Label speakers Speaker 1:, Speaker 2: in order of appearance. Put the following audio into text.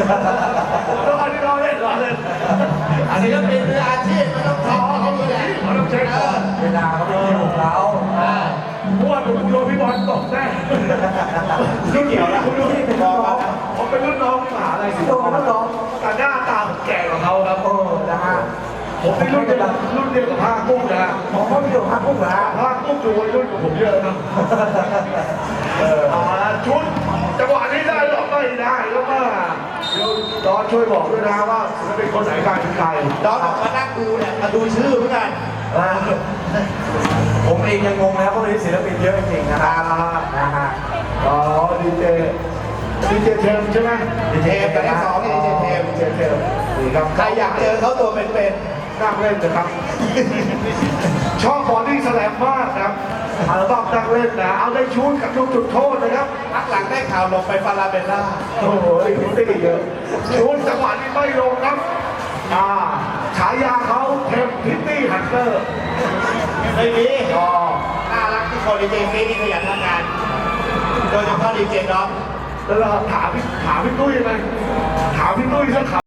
Speaker 1: แล้วอันนี้เราเล่น
Speaker 2: อันนี้ก็เป็นมืออาชีพมันต้องทำให้ดีแหละ
Speaker 1: เราต้องเช็คก่อน
Speaker 3: เวลาเขาไม่อยู่เขา
Speaker 1: เพราะว่าคุณโดนพี่บอลตกแน่รุ่นเกี่ยวนะคุณดูที่เป็นรุ่นน้องผมเป็นรุ่นน้องมหาลัยศิลปากรแต่หน้าตาผมแก่กว่าเขาครับ
Speaker 3: นะฮะ
Speaker 1: ผมเป็นรุ่นเดียวกับผ้ากุ้งนะ
Speaker 3: ผมก็มีอยู่พักพวกเหรอ
Speaker 1: ผ้ากุ้งอยู่รุ่นกับผมเยอะครับชุดจังหวะนี้ได้หรอไม่ได้แล้วก็เดี๋ยวดอนช่วยบอกด้วยนะว่าศิลปินคนไหนใครเป็นใคร
Speaker 2: ดอนออกมานั่งดูเนี่ยมาดูชื่อเหมือนกัน
Speaker 3: ผมเองยังงงแล้วเพราะมีศิลปินเยอะจริงๆนะครับนะฮะ
Speaker 1: อ๋อดีเจเทมใช่ไหม
Speaker 2: ดีเจกับที่สองนี่ดีเจเทม
Speaker 1: ดีเจเทมดีครับ
Speaker 2: ใครอยากเจอเขาตัวเป็น
Speaker 1: นั่งเล่นนะครับ ชอบบอดี้สแลมมากครับอัลบั้มนั่งเล่นนะเอาได้ชูดกับลูกจุดโทษนะครับ
Speaker 2: ๆพักหลังได้ข่าวลงไปฟาราเบลล่า
Speaker 1: โอ้โหพิตตี้เยอะชูดจังหวะนี้ไม่ลงครับฉายาเขาเทมพิตตี้ฮันเตอร์
Speaker 2: ไม่มี
Speaker 1: อ๋อ
Speaker 2: น่ารักที่คนดีเจฟีนี่ขยันทำงาน โดยเฉพาะดีเจน้อง
Speaker 1: แล้วเราถามพี่ตุ้ยไหมถามพี่ตุ้ยสักคำ